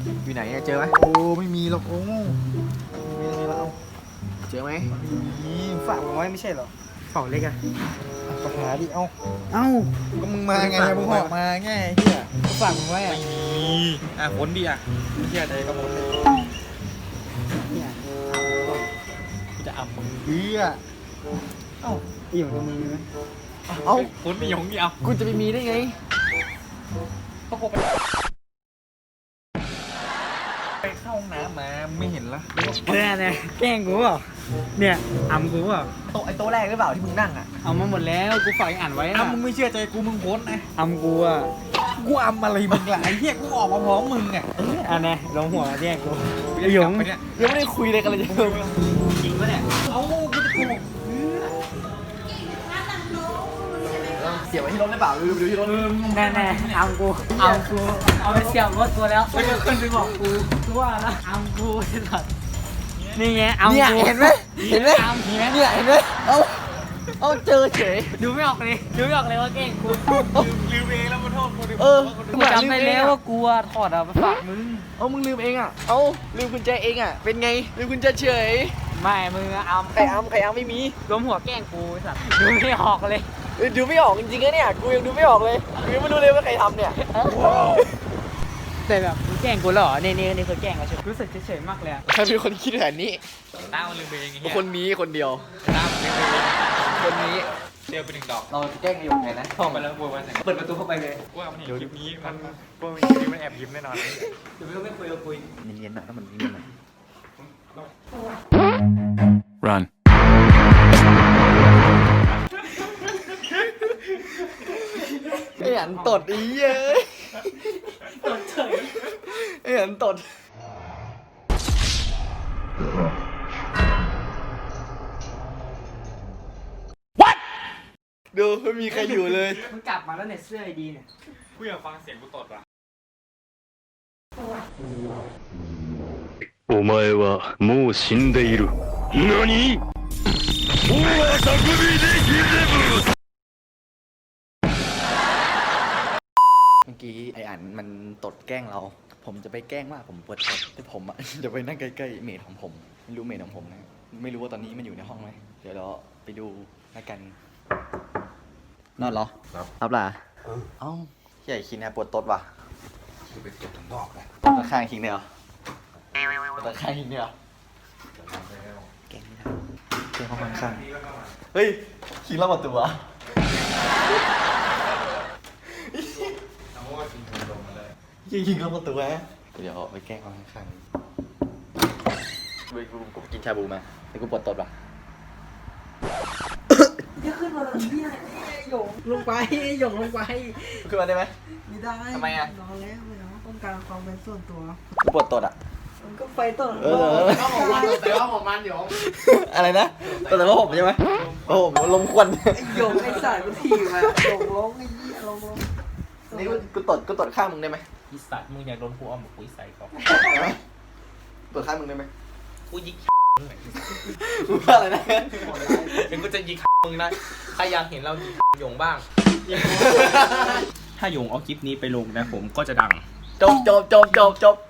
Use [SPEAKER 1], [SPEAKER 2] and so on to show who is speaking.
[SPEAKER 1] อยู่ไหนเจอไหม
[SPEAKER 2] โอ้ไม่มีหรอกโอ้ไม่มีแล้ว
[SPEAKER 1] เจอไหม
[SPEAKER 2] มีฝากไว้ไม่ใช่เหรอ
[SPEAKER 3] เป่าเล็กอะ
[SPEAKER 2] ก็หาดิเอา
[SPEAKER 3] เอ้า
[SPEAKER 2] ก็มึงมาไงมึงหอบมาไงเฮีย
[SPEAKER 3] ฝากมึงไว้อะ
[SPEAKER 2] คนดีเฮียใจก็หมดเลย
[SPEAKER 3] เนี่ย
[SPEAKER 2] กูจะอ่ำมึงเฮีย
[SPEAKER 3] เอ้าไอ้หยงตัวมึงมีไหม
[SPEAKER 1] เอ้า
[SPEAKER 2] คนไม่ยงนี่เอา
[SPEAKER 1] กูจะไปมีได้ไง
[SPEAKER 2] ไปเข้าห้องน้ำมาไม่เห็นละ
[SPEAKER 3] เนี่ยแกล้งกูเปล่าเนี่ยอำกูเปล่า
[SPEAKER 1] โต๊ะแรกหรือเปล่าที่มึงนั่งอ่ะ
[SPEAKER 3] เอามาหมดแล้วกูฝากอ่านไว้
[SPEAKER 2] อ้า
[SPEAKER 3] อะ
[SPEAKER 2] มึงไม่เชื่อใจกูมึงโพสนะ
[SPEAKER 3] อำกูอะ
[SPEAKER 2] กูอ่ำอะไรมึงล่ะไอ้เฮียกูออกมาพร้อมมึงอ่ะ
[SPEAKER 3] อันนี้ลงหัวแย่งกู
[SPEAKER 2] ไอ้
[SPEAKER 3] ไอ้หยง
[SPEAKER 2] ไปเนี่ย
[SPEAKER 1] ยังไม่ได้คุยเลยกันเลยจะ
[SPEAKER 3] จริงปะเนี่ย
[SPEAKER 2] เอากูจะโกหก
[SPEAKER 1] เสียบไว้ที่รถได้เปล่าดูที่รถ
[SPEAKER 3] แน่ๆอำกูเอาไปเสียบรถตัวแล้วแล้วก็ขึ้นไปบอกกูตัวแล้วอำกูไอ้สัตว์นี่ไงอำ
[SPEAKER 1] เนี่ย
[SPEAKER 3] กู
[SPEAKER 1] เห็นไหมเห็นไหม
[SPEAKER 3] อำเห็นไหม
[SPEAKER 1] เนี่ยเห็นไหมเอาเจอเฉย
[SPEAKER 3] ดูไม่ออกเลยดูไม่ออกเลยว่าแกล้งกู
[SPEAKER 2] ลืมเองแล้วมาโทษกูดิ
[SPEAKER 1] เออ
[SPEAKER 3] กูจำได้แล้วว่ากูอะถอดอะไปฝากมึง
[SPEAKER 1] เอามึงลืมเองอ่ะเอาลืมกุญแจเองอ่ะเป็นไงลืมกุญแจเฉย
[SPEAKER 3] ไม่มึงอะอำ
[SPEAKER 1] ใครอ้ำไม่มี
[SPEAKER 3] รวมหัวแกล้งกูไอ้สัตว์ดูไม่ออกเลย
[SPEAKER 1] ดูไม่ออกจริงๆนะเนี่ยกูยังดูไม่ออกเลยกูยังไม่รู้เลยว่าใครทำเนี่ย
[SPEAKER 3] แต่แบบมึงแกล้งกูแล้วเหรอนี่คือแกล้งเราใช่ไหมรู้สึกเฉยๆมากเลยอะ
[SPEAKER 1] ใครเป็นคนคิดแผนนี้
[SPEAKER 2] ต้ามันลืมเองไอ้เฮีย
[SPEAKER 1] คนนี้คนเดียว
[SPEAKER 2] ต้ามันลืมเอง
[SPEAKER 1] คนนี้
[SPEAKER 2] เดียวไปหนึ่งดอก
[SPEAKER 1] เราแกล้งไอ้หยงไงนะ
[SPEAKER 2] เข้าไปแล้วกูว่าไง
[SPEAKER 1] เปิดประตูเข้าไปเลย
[SPEAKER 2] ว่ามันเห็นคลิปนี้มันว่ามันคลิปนี้มันแอบยิ้มแน่นอน
[SPEAKER 3] เดี๋ยวไม่คุยเราคุย
[SPEAKER 1] เย็นๆหน่อยถ้ามันเย็นๆหน่อย
[SPEAKER 4] Run.
[SPEAKER 1] ไอ้หันตดอีเย้ย
[SPEAKER 3] ตดเฉย
[SPEAKER 1] ไอ้หันตดดูไม่มีใครอยู่เลย
[SPEAKER 3] มันกลับมาแล้วเนี่ยเสื้อไอดีเนี่ย
[SPEAKER 2] กูอยากฟังเสียงกูตดว่ะ
[SPEAKER 4] お前はもう死んでいる。何？もう遊びできれぶ。
[SPEAKER 1] เมื่อกี้ไอ้อันมันตดแกล้งเรา ผมจะไปแกล้งว่าผมปวดตดแต่ผมอ่ะ จะไปนั่งใกล้ๆเมดของผม ไม่รู้เมดของผมนะ ไม่รู้ว่าตอนนี้มันอยู่ในห้องไหม เดี๋ยวเราไปดูแล้วกัน นอนเหรอ ครับล่ะเอ้าใหญ่คิงเนี่ยปวดตดว่ะ
[SPEAKER 2] กูไปตดถึงดอกเลย
[SPEAKER 1] ตดข้างคิงเนี่ยเหรอตดข้างคิงเนี่ยเหรอแกล้งไม่ได้แกล้งห้องข้างๆเฮ้ยคิงเล่าประตูวะ
[SPEAKER 2] เอาว่ากินถุงลมมาเลย
[SPEAKER 1] ยิงเข้าประตูแฮะเดี๋ยวไปแกล้งเขาข้างๆกูกินชาบูมาแต่กูปวดตดว่ะ
[SPEAKER 3] จะขึ้นมาแบบนี้หยงลงไปหยงลงไป
[SPEAKER 1] ขึ้นมาได้ไหม
[SPEAKER 5] ไม่ได้
[SPEAKER 1] ทำไมอะ
[SPEAKER 5] นอนแล้วไม่เอาต้องการความเป็นส่วนตัว
[SPEAKER 1] กูปวดตดอ่ะ
[SPEAKER 5] มันก็ไฟต้น
[SPEAKER 1] เออ
[SPEAKER 3] แต่ว่าของมันเดี๋ยว
[SPEAKER 1] อะไรนะแต่ว่าผมใช่ไหมโอ้โหลมควัน
[SPEAKER 5] ไอ้หยงไอ้สายมันถีบมาหยงร้องไอ้เหี้ยร้อง
[SPEAKER 1] นี่กูตดข้างมึงได้ไหม
[SPEAKER 2] อีสัตว์มึงอยากโดนกูเอาหมกปุ้ยใส่ก่อน
[SPEAKER 1] ตดข้างมึงได้ไหม
[SPEAKER 2] กูยิง
[SPEAKER 1] มึงว่าอะไรนะ
[SPEAKER 2] เดี๋ยวกูจะยิงมึงนะใครอยากเห็นเรายิงหยงบ้าง ถ้าหยงเอาคลิปนี้ไปลงนะผมก็จะดัง
[SPEAKER 1] จบ